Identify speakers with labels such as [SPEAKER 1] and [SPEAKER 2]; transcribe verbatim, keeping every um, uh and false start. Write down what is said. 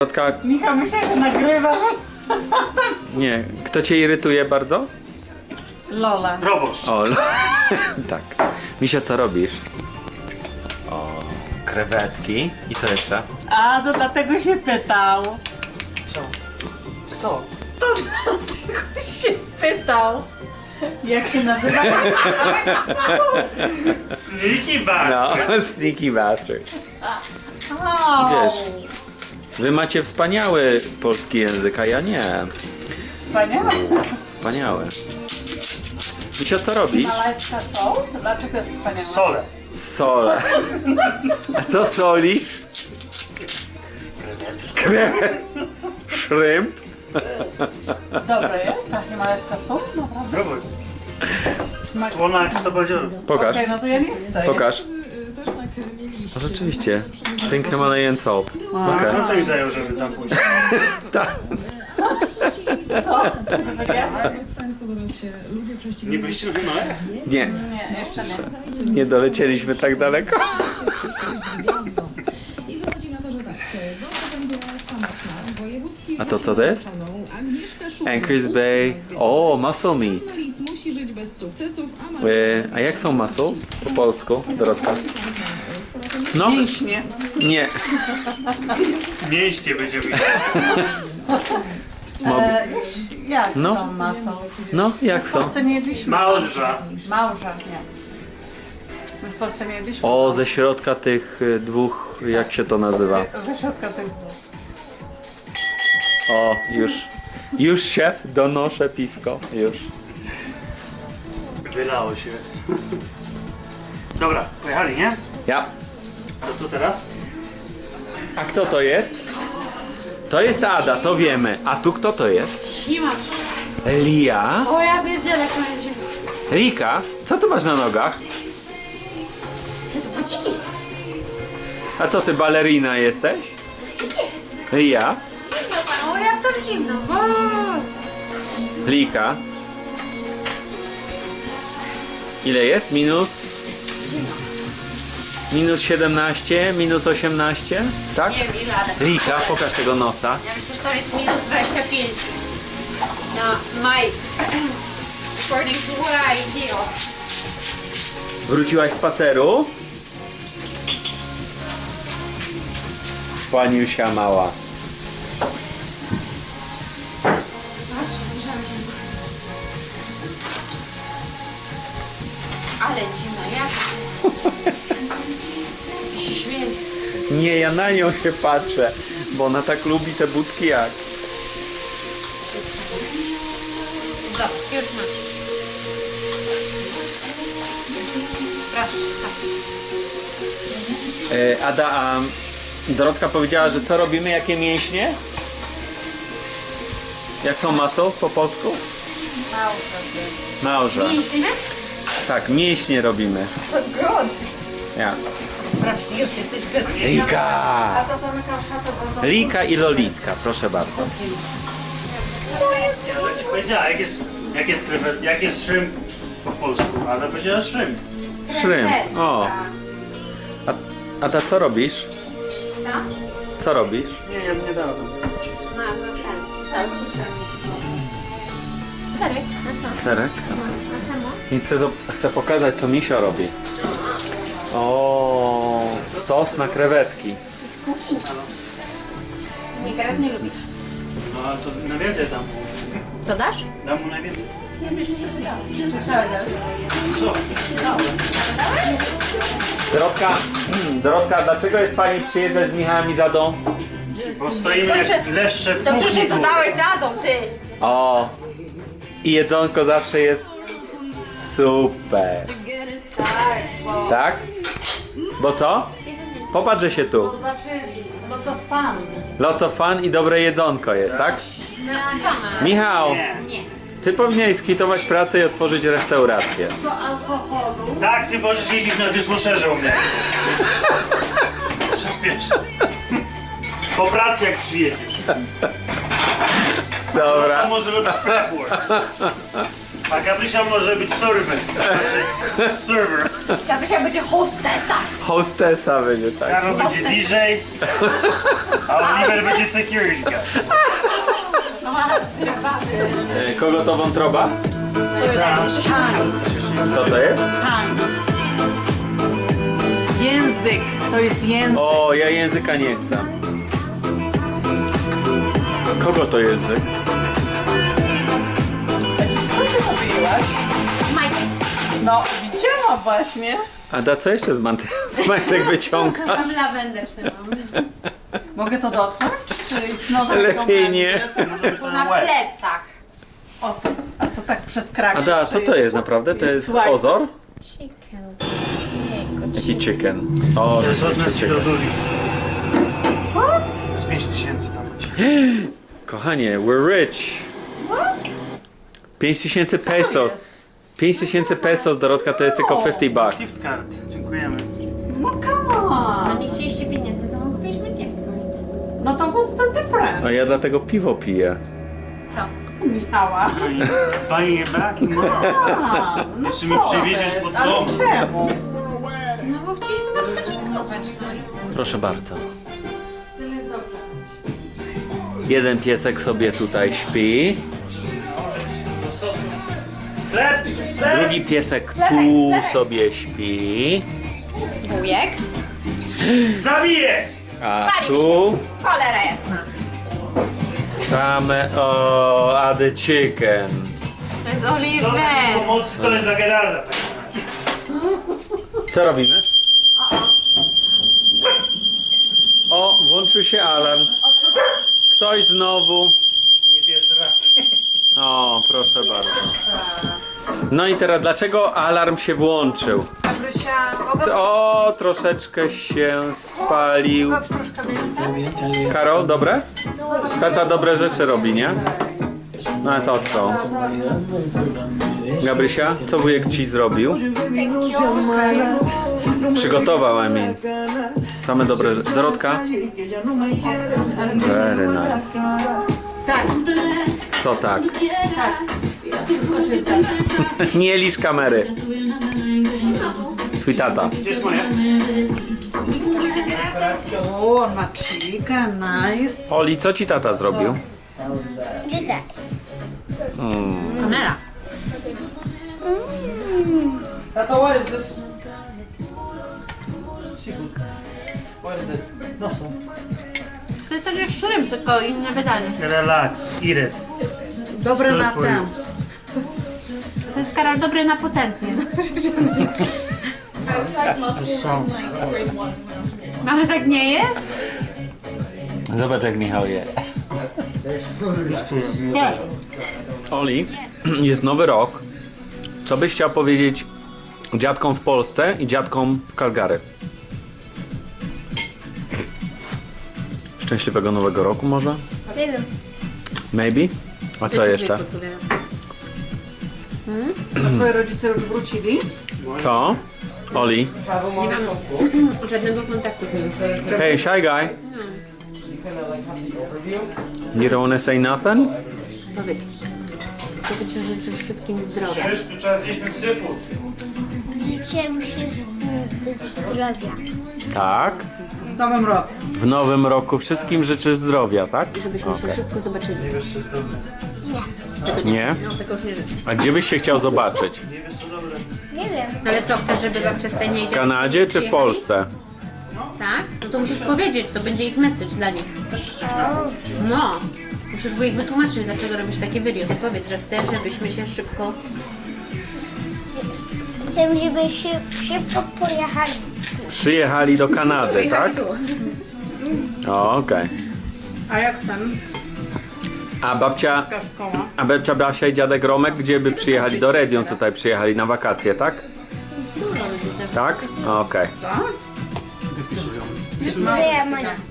[SPEAKER 1] Środka...
[SPEAKER 2] Michał, myślę, że nagrywasz.
[SPEAKER 1] Nie. Kto cię irytuje bardzo?
[SPEAKER 2] Lola.
[SPEAKER 3] Proboszcz.
[SPEAKER 1] O, tak. Misia, co robisz? O, krewetki. I co jeszcze?
[SPEAKER 2] A, to dlatego się pytał.
[SPEAKER 3] Co? Kto?
[SPEAKER 2] To dlatego się pytał. Jak się nazywa?
[SPEAKER 3] Sneaky
[SPEAKER 1] No,
[SPEAKER 3] bastard.
[SPEAKER 1] sneaky bastard.
[SPEAKER 2] O,
[SPEAKER 1] Wiesz. Wy macie wspaniały polski język, a ja nie.
[SPEAKER 2] Wspaniałe.
[SPEAKER 1] Wspaniały. Misia, co robisz?
[SPEAKER 2] Malajska są? To dlaczego jest wspaniała?
[SPEAKER 3] Sole.
[SPEAKER 1] Sole. A co solisz? Krewet. Szrymp.
[SPEAKER 2] Dobre jest? Ta himalajska sól? Naprawdę?
[SPEAKER 3] Spróbuj.
[SPEAKER 2] Smak.
[SPEAKER 3] Słona jak sto badziorów.
[SPEAKER 1] Pokaż.
[SPEAKER 2] Okej, no to ja nie chcę.
[SPEAKER 1] Pokaż. No rzeczywiście. Pink Himalayan salt. Okej.
[SPEAKER 3] No co mi zajął, żeby tam pójść?
[SPEAKER 1] Tak.
[SPEAKER 2] Co? Co to powiedziałam?
[SPEAKER 4] Bez sensu, bo się ludzie prześcigają.
[SPEAKER 3] Nie byliście na finale?
[SPEAKER 1] Nie,
[SPEAKER 2] Nie, jeszcze nie.
[SPEAKER 1] nie dolecieliśmy tak daleko.
[SPEAKER 4] Gwiazdą. I wychodzi na to, że tak, to będzie samotna, wojewódzki...
[SPEAKER 1] A to co to jest?
[SPEAKER 4] Agnieszka Szumowska.
[SPEAKER 1] Anchors Bay. O, muscle meat.
[SPEAKER 4] Lis musi żyć bez sukcesów, a ma...
[SPEAKER 1] E, a jak są mussels po polsku, Dorotka? No,
[SPEAKER 2] Mięśnie.
[SPEAKER 1] nie.
[SPEAKER 3] Mięśnie będziemy mieć.
[SPEAKER 2] E, jak
[SPEAKER 1] No.
[SPEAKER 2] są masą?
[SPEAKER 1] No, jak
[SPEAKER 2] W
[SPEAKER 1] są?
[SPEAKER 2] Polsce nie jedliśmy.
[SPEAKER 3] Małdrza.
[SPEAKER 2] Małża, nie. My w Polsce nie jedliśmy.
[SPEAKER 1] O, ze środka tych y, dwóch, jak się to nazywa?
[SPEAKER 2] Ze środka tych
[SPEAKER 1] O, już. Już szef, donoszę piwko. Już.
[SPEAKER 3] Wylało się. Dobra, pojechali, nie?
[SPEAKER 1] Ja.
[SPEAKER 3] To co teraz?
[SPEAKER 1] A kto to jest? To jest Ada, to wiemy. A tu kto to jest?
[SPEAKER 5] Zima.
[SPEAKER 1] Lia.
[SPEAKER 5] O, ja wiedziałem, jak to jest zima.
[SPEAKER 1] Rika, co ty masz na nogach?
[SPEAKER 5] To jest buciki.
[SPEAKER 1] A co ty, balerina jesteś? Lia.
[SPEAKER 5] O, jak tam zimno. O,
[SPEAKER 1] Lika. Ile jest? Minus? Minus siedemnaście, minus osiemnaście? Tak?
[SPEAKER 5] nie wiem ile, ale
[SPEAKER 1] Lika, pokaż tego nosa.
[SPEAKER 5] ja myślę, że tam jest minus dwadzieścia pięć. Na my... According to what I feel.
[SPEAKER 1] Wróciłaś z spaceru? Paniusia mała.
[SPEAKER 5] Patrz, zbliżamy się. Ale zimno, jak? Ty się śmieje.
[SPEAKER 1] Nie, ja na nią się patrzę, bo ona tak lubi te budki jak.
[SPEAKER 5] Zobacz, już masz. Proszę, tak.
[SPEAKER 1] E, Ada, a Dorotka powiedziała, że co robimy, jakie mięśnie? Jak są muscles po polsku? Małża.
[SPEAKER 5] Mięśnie?
[SPEAKER 1] Tak, mięśnie robimy.
[SPEAKER 5] To good.
[SPEAKER 1] Ja.
[SPEAKER 5] Już jesteś good.
[SPEAKER 1] Lika!
[SPEAKER 2] A to zamykał szafę, bo to...
[SPEAKER 1] Lika i Lolitka, proszę bardzo.
[SPEAKER 3] Ja ci powiedziała, jak jest, jak jest krewet, jak jest szymp po polsku. Ada powiedziała szymp.
[SPEAKER 1] Szrymp. O. A, Ada, co robisz?
[SPEAKER 5] Co?
[SPEAKER 1] Co robisz?
[SPEAKER 3] Nie, ja nie dałem.
[SPEAKER 5] No, no ten. Cały czas serek. Serek? Na co?
[SPEAKER 1] Serek?
[SPEAKER 5] No, a czemu?
[SPEAKER 1] I chcę, zo- chcę pokazać, co Misio robi. O, sos na krewetki.
[SPEAKER 5] Z kuki. Nie, Gareth nie lubi.
[SPEAKER 3] No ale to najwięcej dam mu.
[SPEAKER 5] Co dasz?
[SPEAKER 3] Dam mu najwięcej.
[SPEAKER 5] Całe dobrze.
[SPEAKER 3] Co?
[SPEAKER 1] Dorotka, Dorotka, dlaczego jest pani przyjeżdżać z Michałem i Zadą?
[SPEAKER 3] Bo stoimy
[SPEAKER 5] Dobrze.
[SPEAKER 3] jak leszcze w
[SPEAKER 5] Dobrze,
[SPEAKER 3] kuchni.
[SPEAKER 5] że dodałeś zadą, ty.
[SPEAKER 1] O, i jedzonko zawsze jest super.
[SPEAKER 2] Tak, bo
[SPEAKER 1] Tak? Bo co? Popatrz, że się tu.
[SPEAKER 2] to zawsze jest... No co pan?
[SPEAKER 1] Lots of fun i dobre jedzonko jest, tak? Michał,
[SPEAKER 3] Nie.
[SPEAKER 5] Nie.
[SPEAKER 1] ty powinieneś skwitować pracę i otworzyć restaurację.
[SPEAKER 2] Do alkoholu.
[SPEAKER 3] Tak, ty możesz jeździć na dishwasherze u mnie. Przez pierwsze. Po pracy jak przyjedziesz.
[SPEAKER 1] Dobra.
[SPEAKER 3] A może robić prep work. A Gabrysia może być server. Znaczy server.
[SPEAKER 5] Gabrysia będzie hostesa.
[SPEAKER 1] Hostesa będzie, tak.
[SPEAKER 3] Karol będzie D J, a Oliver będzie security guard.
[SPEAKER 5] No, zgrywamy.
[SPEAKER 1] E, Kogo to wątroba?
[SPEAKER 5] Jeszcze się muszę.
[SPEAKER 1] Co to jest?
[SPEAKER 2] Pan. Język. To jest język.
[SPEAKER 1] O, ja języka nie chcę. Kogo to język?
[SPEAKER 2] Co ty mówiłaś?
[SPEAKER 5] Majtek.
[SPEAKER 2] No, widziałam właśnie.
[SPEAKER 1] Ada, co jeszcze z, mant- z majtek wyciąga?
[SPEAKER 5] Mam lawendeczny mam.
[SPEAKER 2] Mogę to dotknąć? Czy znowu
[SPEAKER 1] Lepiej nie.
[SPEAKER 5] Tu na plecach.
[SPEAKER 2] O, to, a to tak przez krak.
[SPEAKER 1] Ada,
[SPEAKER 2] się
[SPEAKER 1] co to jest naprawdę? To jest
[SPEAKER 2] Słuchaj.
[SPEAKER 1] ozor?
[SPEAKER 5] Chicken.
[SPEAKER 1] Jaki chicken? O,
[SPEAKER 3] To jest od
[SPEAKER 1] rzeczywiście
[SPEAKER 3] nas i
[SPEAKER 1] chicken.
[SPEAKER 3] do Duli. To jest pięć tysięcy tam będzie.
[SPEAKER 1] Kochanie, we're rich. pięć tysięcy pesos.
[SPEAKER 2] jest?
[SPEAKER 1] pięć tysięcy pesos, Dorotka, to jest tylko pięćdziesiąt bucks.
[SPEAKER 3] Gift card. Dziękujemy.
[SPEAKER 2] No come
[SPEAKER 5] A
[SPEAKER 2] on.
[SPEAKER 5] nie chcieliście pieniędzy, to kupiliśmy gift card.
[SPEAKER 2] No to what's the difference?
[SPEAKER 1] No ja dlatego piwo piję.
[SPEAKER 5] Co?
[SPEAKER 2] Michała.
[SPEAKER 3] Buying it back? No.
[SPEAKER 2] A, no
[SPEAKER 3] Jeszcze mi
[SPEAKER 2] co
[SPEAKER 3] przywieziesz
[SPEAKER 2] ty?
[SPEAKER 3] pod
[SPEAKER 2] Ale
[SPEAKER 3] dom.
[SPEAKER 2] czemu?
[SPEAKER 5] No bo chcieliśmy wam zaprezentować.
[SPEAKER 1] Proszę bardzo. Jeden piesek sobie tutaj śpi.
[SPEAKER 3] Chleb! Chleb!
[SPEAKER 1] Drugi piesek
[SPEAKER 5] Chlebek,
[SPEAKER 1] tu
[SPEAKER 5] chlebek.
[SPEAKER 1] sobie śpi.
[SPEAKER 5] Wujek.
[SPEAKER 3] Zabiję!
[SPEAKER 1] A tu
[SPEAKER 5] Cholera jasna.
[SPEAKER 1] same o Ady chicken.
[SPEAKER 5] To jest
[SPEAKER 3] Co
[SPEAKER 5] Oliver.
[SPEAKER 3] takiej pomocy to jest dla Gerarda.
[SPEAKER 1] Co robimy?
[SPEAKER 5] O, o.
[SPEAKER 1] O, włączył się alarm. Ktoś znowu.
[SPEAKER 3] Nie pierwszy raz.
[SPEAKER 1] O, proszę bardzo. No i teraz dlaczego alarm się włączył?
[SPEAKER 2] Gabrysia, mogę
[SPEAKER 1] O, troszeczkę się spalił.
[SPEAKER 2] mogę troszkę więcej?
[SPEAKER 1] Karol, dobre? Tata dobre rzeczy robi, nie? No ale to co? Gabrysia, co wujek ci zrobił? Przygotował, I mean. Same dobre rzeczy. Dorotka? Very nice.
[SPEAKER 2] Tak,
[SPEAKER 1] Co tak?
[SPEAKER 2] tak. Wszystko się zgadza.
[SPEAKER 1] Nie lisz kamery. Twój tata.
[SPEAKER 3] Gdzie jest moja?
[SPEAKER 2] O, ma chica, nice.
[SPEAKER 1] Oli, co ci tata zrobił?
[SPEAKER 5] Kamera.
[SPEAKER 6] Tata, what is this? Seafood. What is it? Nosso.
[SPEAKER 5] To jest tak jak shrimp, tylko inne wydanie.
[SPEAKER 3] Relax, eat it.
[SPEAKER 2] Dobre na
[SPEAKER 3] for you.
[SPEAKER 2] ten.
[SPEAKER 5] To jest Karol dobry na potencję. No ale tak nie jest?
[SPEAKER 1] Zobacz jak Michał je.
[SPEAKER 5] Nie.
[SPEAKER 1] Oli, jest nowy rok. Co byś chciał powiedzieć dziadkom w Polsce i dziadkom w Calgary? Szczęśliwego nowego roku może?
[SPEAKER 5] Nie wiem.
[SPEAKER 1] Maybe? A co jeszcze?
[SPEAKER 2] A twoje rodzice już wrócili?
[SPEAKER 1] Co? Oli?
[SPEAKER 6] Travel mom so cool.
[SPEAKER 5] Żadnego kontaktu.
[SPEAKER 1] Hey, shy guy.
[SPEAKER 6] You kind of like have the overview.
[SPEAKER 1] You don't wanna say nothing?
[SPEAKER 5] Powiedz. Co ty ci życzysz wszystkim zdrowia?
[SPEAKER 3] Wiesz, tu trzeba zjeść ten seafood.
[SPEAKER 7] Życzę wszystkim zdrowia.
[SPEAKER 1] Tak.
[SPEAKER 2] W nowym roku.
[SPEAKER 1] W nowym roku wszystkim życzę zdrowia, tak?
[SPEAKER 5] Żebyśmy się szybko zobaczyli.
[SPEAKER 3] Nie wiesz, co jest dobre.
[SPEAKER 1] Nie?
[SPEAKER 5] No tego już nie życzę.
[SPEAKER 1] A gdzie byś się chciał zobaczyć?
[SPEAKER 3] Nie wiesz, co dobre.
[SPEAKER 7] Nie wiem.
[SPEAKER 5] Ale co, chcesz, żeby wam przez ten
[SPEAKER 1] W Kanadzie czy w Polsce?
[SPEAKER 5] Tak? No to musisz powiedzieć, to będzie ich message dla nich. No. Musisz wujek wytłumaczyć, dlaczego robisz takie video. To powiedz, że chcesz, żebyśmy się szybko...
[SPEAKER 7] Chcę, żeby się szybko pojechali.
[SPEAKER 1] Przyjechali do Kanady, tak?
[SPEAKER 5] tu.
[SPEAKER 1] O, okej.
[SPEAKER 2] A jak ten?
[SPEAKER 1] A babcia,
[SPEAKER 2] Taka szkoła.
[SPEAKER 1] a babcia Basia i dziadek Romek, gdzie by przyjechali? Do Redion tutaj przyjechali na wakacje, tak? Tak? Okej.
[SPEAKER 7] Moja mama.